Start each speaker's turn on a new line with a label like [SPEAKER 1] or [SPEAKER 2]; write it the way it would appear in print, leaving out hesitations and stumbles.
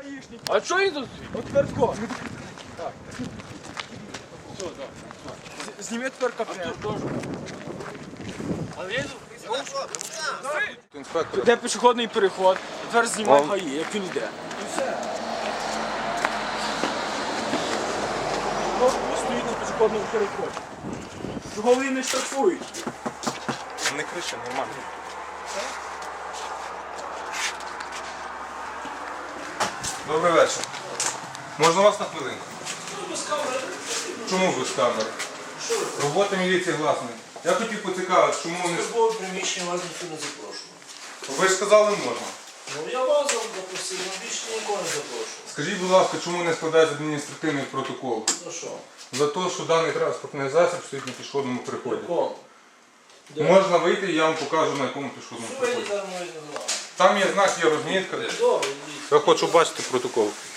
[SPEAKER 1] А що він тут?
[SPEAKER 2] От твердко.
[SPEAKER 1] Так. Все, так.
[SPEAKER 2] Зніми тепер капрес.
[SPEAKER 1] А він?
[SPEAKER 3] Інспектор.
[SPEAKER 2] Де пішохідний переход, тепер знімай ГАІ, як він йде. І все. Він стоїть на пішохідному переході. Чого вони не штрафують?
[SPEAKER 3] Не кричи, нормально. Добрий вечір. Можна вас на хвилинку? Чому без камери? Робота міліції гласна. Я хотів поцікавити, чому вони...
[SPEAKER 4] Службове приміщення вас ніхто не запрошував.
[SPEAKER 3] Ви ж сказали, можна.
[SPEAKER 4] Ну я вас запросив, але більше нікого не запрошував.
[SPEAKER 3] Скажіть, будь ласка, чому не складається адміністративний протокол?
[SPEAKER 4] За що?
[SPEAKER 3] За те, що даний транспортний засіб стоїть на пішохідному переході.
[SPEAKER 4] Кому?
[SPEAKER 3] Можна вийти і я вам покажу, на якому пішохідному
[SPEAKER 4] Сьогодні
[SPEAKER 3] переході.
[SPEAKER 4] там можна знати.
[SPEAKER 3] Там є знак, є розмітка.
[SPEAKER 4] Добре, йдіть.
[SPEAKER 3] Я хочу бачити протокол.